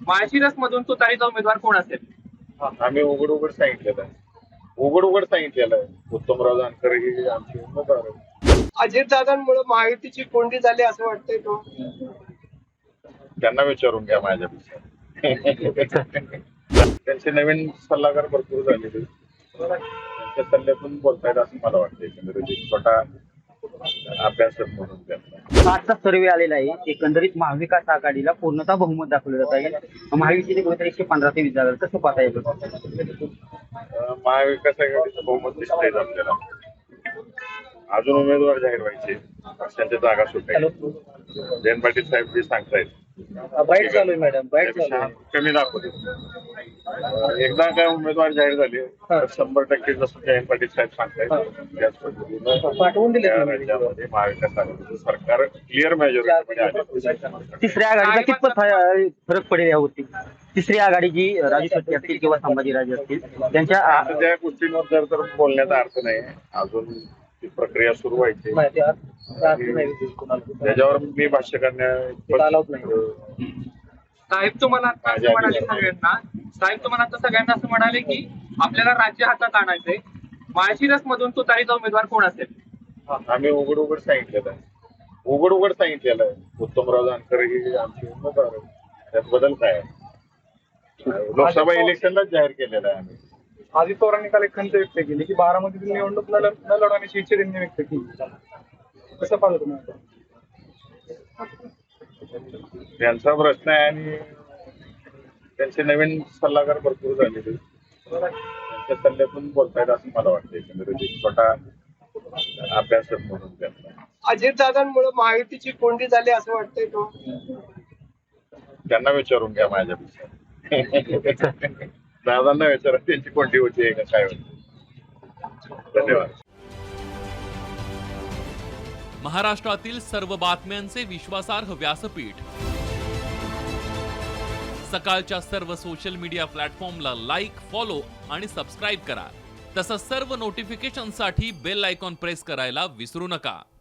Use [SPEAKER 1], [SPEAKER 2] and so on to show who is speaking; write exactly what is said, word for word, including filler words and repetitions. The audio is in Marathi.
[SPEAKER 1] माळशिरस मधून तुतारीचा उमेदवार कोण असेल?
[SPEAKER 2] आम्ही उघड उघड सांगितलेलं आहे उघड उघड सांगितलेलं आहे उत्तमराव जानकर ही आमची उमेदवार आहे.
[SPEAKER 3] अजितदादांमुळे महायुतीची कोंडी झाली असं वाटतंय तो.
[SPEAKER 2] त्यांना विचारून घ्या माझ्यापेक्षा. त्यांचे नवीन सल्लागार भरपूर झालेले त्यांच्या सल्ल्यातून बोलतायत असं मला वाटतं. एकंदरीत छोटा अभ्यासक म्हणून त्यांना
[SPEAKER 4] आजचा सर्वे आलेला आहे. एकंदरीत महाविकास आघाडीला पूर्णतः बहुमत दाखवलं जात आहे. महायुतीचे कुठेतरी एकशे पंधरा ते वीस जागा कसं पाहता येईल?
[SPEAKER 2] महाविकास आघाडीचं बहुमत दिसतंय आपल्याला. अजून उमेदवार जाहीर व्हायचे पक्षांच्या जागा सुटायच्या. जयंत पाटील साहेब जे सांगतायत
[SPEAKER 4] बाईट चालू आहे मॅडम, बाईट चालू आहे.
[SPEAKER 2] कमी दाखवते. एकदा काय उमेदवार जाहीर झाले तर शंभर टक्के जसं जयंत पाटील साहेब सांगतायत त्याच पद्धतीनं
[SPEAKER 4] पाठवून दिले
[SPEAKER 2] त्या राज्यामध्ये महाविकास आघाडीचं सरकार क्लिअर मेजॉरिटीमध्ये आले.
[SPEAKER 4] तिसऱ्या आघाडीचा कितपत फा- फरक पडेल यावरती? तिसरी आघाडी जी राजू शेट्टी असतील किंवा संभाजीराजे असतील त्यांच्या
[SPEAKER 2] आता त्या गोष्टींवर जर तर बोलण्याचा अर्थ नाही. अजून ती प्रक्रिया सुरू व्हायची त्याच्यावर मी भाष्य करण्या
[SPEAKER 1] साहेब तुम्हाला आता असं म्हणाले सगळ्यांना साहेब तुम्हाला आता सगळ्यांना असं म्हणाले की आपल्याला राज्य हातात आणायचंय. माळशिरस मधून तुतारीचा उमेदवार कोण असेल?
[SPEAKER 2] आम्ही उघड उघड सांगितलेलं आहे उघड उघड सांगितलेलं आहे उत्तमराव जानकर ही आमची उमेदवार आहे. त्यात बदल काय आहे? लोकसभा इलेक्शनलाच जाहीर केलेलं आहे आम्ही.
[SPEAKER 3] अजित पवारांनी काल एक खंत व्यक्त केली की बारामतीतील निवडणूक न न लढवण्याची इच्छा त्यांनी व्यक्त केली. कसं पाहता तुम्ही आता?
[SPEAKER 2] त्यांचा प्रश्न आहे आणि त्यांचे नवीन सल्लागार भरपूर झालेले त्यांच्या सल्ल्यातून बोलतायत असं मला वाटतं. एकंदरीत छोटा अभ्यासक म्हणून त्यांना
[SPEAKER 3] अजितदादांमुळे महायुतीची कोंडी झाली असं वाटतंय तो.
[SPEAKER 2] त्यांना विचारून घ्या माझ्यापेक्षा. दादांना विचारा त्यांची कोणती होती आहे का काय होती. धन्यवाद.
[SPEAKER 5] महाराष्ट्रातील सर्व बातम्यांचे विश्वासार्ह व्यासपीठ सकाळच्या सर्व सोशल मीडिया प्लॅटफॉर्मला लाईक, फॉलो आणि सबस्क्राईब करा. तसंच सर्व नोटिफिकेशनसाठी बेल आयकॉन प्रेस करायला विसरू नका.